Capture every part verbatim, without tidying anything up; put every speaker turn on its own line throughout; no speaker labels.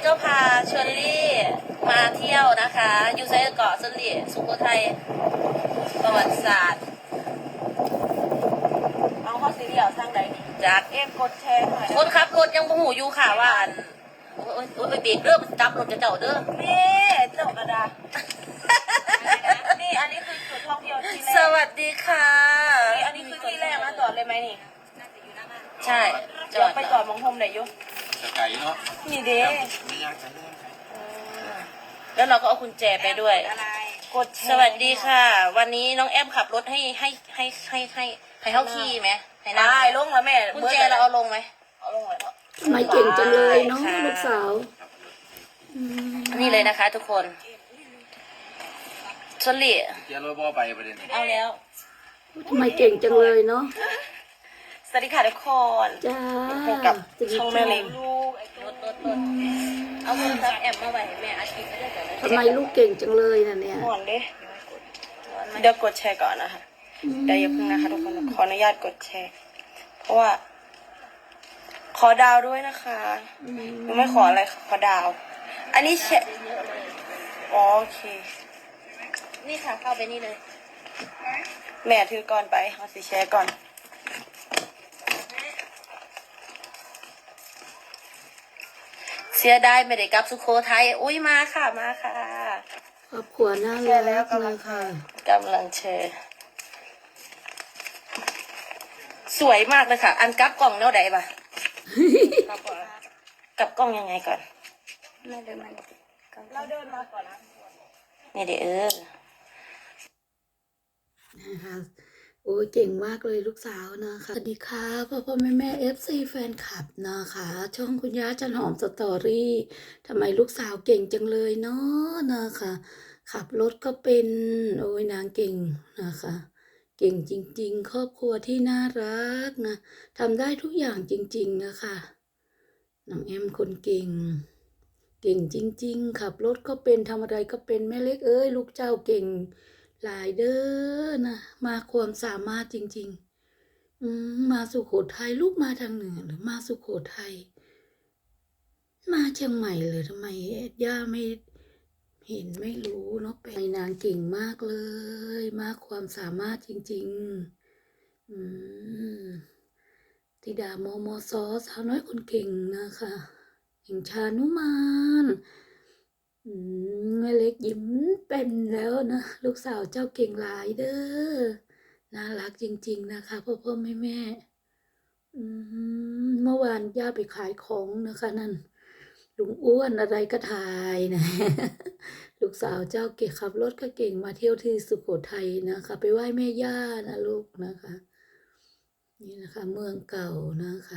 ก็พาเชอรี่มาเที่ยวนะคะอยู่ไซเกาะเสลี่ยสุโขทัยประวัติศาสตร์เอาข้อสีเดียวทางใดจากเอ็มกดแชร์หน่อยคนขับรถยังบ่หูอยู่ค่ะว่าอันโอ้ยโอ้ยไปเบรกเด้อมันจับรถจะเจ้าเด้อนี่เจ้ากระดานี่อันนี้คือจุดท่องเที่ยวที่แรกสวัสดีค่ะนี่อันนี้คือที่แรกนะจอดเลยไหมนี่ใช่จอดไปจอดมองโฮมไหนอยู่
สกายเนาะ
นี่เด้
ไม่ยากจังเลย
แล้วเราก็เอากุญแจไปด้วยกดสวัสดีค่ะวันนี้น้องแอมขับรถให้ให้ให้ให้ให้ให้เขาขี่ไหมให้นั่งได้ลงแล้วแม่กุญแจเราเอาลงไหมเอาลงเลย
ทำไมเก่งจังเลยเนาะลูกสาว
นี่เลยนะคะทุกคนชลลี่
เดี๋ยวรถบอไปประเด็น
เอาแล้ว
ทำไมเก่งจังเลยเนาะ
สวัสดีค่ะทุกคน
จ้า
กับช่องแม่เล็กรถรถรถเอาโทรศัพท์แอมมาไว้ให้แม่อาทิตย์ก็ได้แต่
ทำไมลูกเก่งจังเลยน่ะเนี่ย
ก่อนดิเดี๋ยวกดแชร์ก่อนนะคะเดี๋ยวอย่าเพิ่งนะคะทุกคนขออนุญาตกดแชร์เพราะว่าขอดาวด้วยนะคะหนูไม่ขออะไรขอดาวอันนี้แชร์โอเคนี่ค่ะเข้าไปนี่เลยแม่ถือก่อนไปเอาสิแชร์ก่อนเสียได้ไม่ได้กลับสุโขทัยอุ้ยมาค่ะมาค่ะ
ครอบครัวน่ารักเลยค่ะ
กำลังแชร์สวยมากเลยค่ะอันกลับกล้องเท่าไหร่ปะกลับกล้องยังไงก่อนเราเดินมาเราเดินมาก่อนนะนี่เดี๋ยวเออ
นะคะโอ้ยเก่งมากเลยลูกสาวนะคะสวัสดีค่ะพ่อพ่อแม่แม่เอฟซีแฟนคลับนะคะช่องคุณย่าจันหอมสตอรี่ทำไมลูกสาวเก่งจังเลยเนาะนะคะขับรถก็เป็นโอ้ยนางเก่งนะคะเก่งจริงๆครอบครัวที่น่ารักนะทำได้ทุกอย่างจริงๆนะคะน้องแอมคนเก่งเก่งจริงๆขับรถก็เป็นทำอะไรก็เป็นแม่เล็กเอ้ยลูกเจ้าเก่งหลายเด้อนะมาความสามารถจริงๆอืมมาสุโขทัยลูกมาทางเหนือหรือมาสุโขทัยมาเชียงใหม่เลยทำไมย่าไม่เห็นไม่รู้เนาะไปนางเก่งมากเลยมาความสามารถจริงๆอืมธิดาโมโมซอสาวน้อยคนเก่งนะคะแห่งชานุมานอืมแม่เล็กยิ้มเป็นแล้วนะลูกสาวเจ้าเก่งหลายเด้อน่ารักจริงๆนะคะพ่อพ่อแม่แม่อืมเมื่อวานย่าไปขายของนะคะนั่นลุงอ้วนอะไรก็ถ่ายนะลูกสาวเจ้าเก่งขับรถก็เก่งมาเที่ยวที่สุโขทัยนะคะไปไหว้แม่ย่านะลูกนะคะนี่นะคะเมืองเก่านะคะ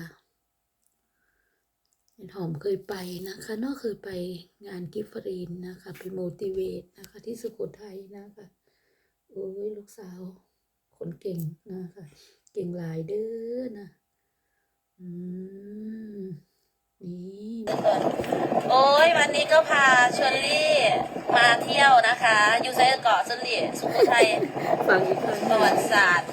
หอมเคยไปนะคะเนาะเคยไปงานกิฟฟรีนนะคะไปโมติเวตนะคะที่สุโขทัยนะคะโอ้ยลูกสาวคนเก่งนะคะเก่งหลายเด้อนะอืมนี่
โอ้ยวันนี้ก็พาเชอรี่มาเที่ยวนะคะอยู่ไซเกาะเสลี่ยสุโขทัย
ฟังอีกครั้ง
ประวัติศาสตร์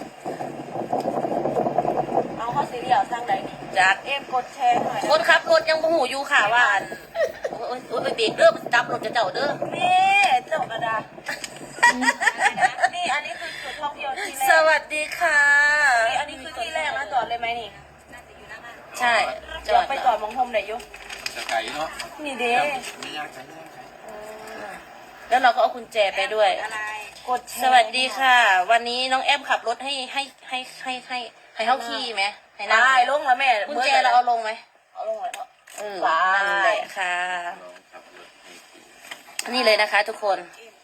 เอาข้อสีเดียวทางใดจากเอ็มกดแชร์หน่อยคนขับรถยังบ่หูอยู่ค่ะว่าอันโอ้ยโอ้ยไปเบรกเด้อมันจับรถจะเจ้าเด้อนี่เจ้ากระดานี่อันนี้คือจุดท่องเที่ยวที่แรกสวัสดีค่ะนี่อันนี้คือที่แรกนะจอดเลยไหมนี่ใช่จอดไปจอดมองโฮมไหนอยู่
สกายเนาะ
นี่เด้
ไม่ยากจังเลย
แล้วเราก็เอากุญแจไปด้วยกดสวัสดีค่ะวันนี้น้องแอมขับรถให้ให้ให้ให้ให้ให้เขาขี่ไหมให้นั่งได้ลงแล้วแม่กุญแจเราเอาลงไหมเอาลงเลยเออนั่นแหละค่ะนี่เลยนะคะทุกคน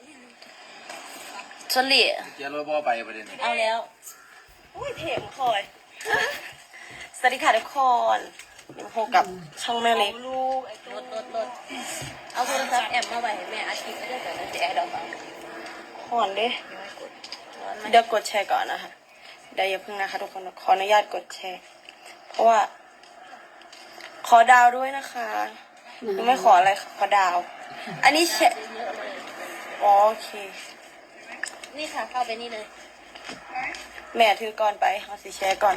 ชลลี่
เดี๋ยวรถบอไปประเด็น
เอาแล้วอุ้ยเพลงคอยสวัสดีค่ะทุกคนยังพบกับช่องแม่เล็กรถรถรถเอาโทรศัพท์แอมมาไว้ให้แม่อาทิตย์ก็ได้แต่จะแอร์ดอกก่อนดิเดี๋ยวกดแชร์ก่อนนะคะเดี๋ยวอย่าเพิ่งนะคะทุกคนขออนุญาตกดแชร์เพราะว่าขอดาวด้วยนะคะหนูไม่ขออะไรขอดาวอันนี้แชร์โอเคนี่ค่ะเข้าไปนี่เลยแม่ถือก่อนไปเอาสิแชร์ก่อน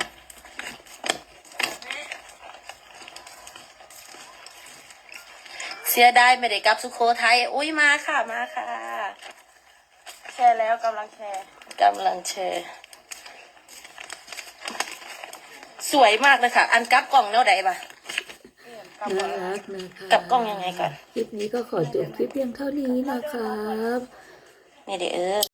เสียดายไม่ได้กลับสุโขทัยอุ้ยมาค่ะมาค่ะแชร์แล้วกำลังแชร์กำลังแชร์สวยมากเลยค่ะ อันกลับกล่องแล้วใดปะ
น่ารักนะคะ
กลับกล้องยังไงก่อน
คลิปนี้ก็ขอจบคลิปเพียงเท่านี้นะครับ
นี่เดี๋ยวเออ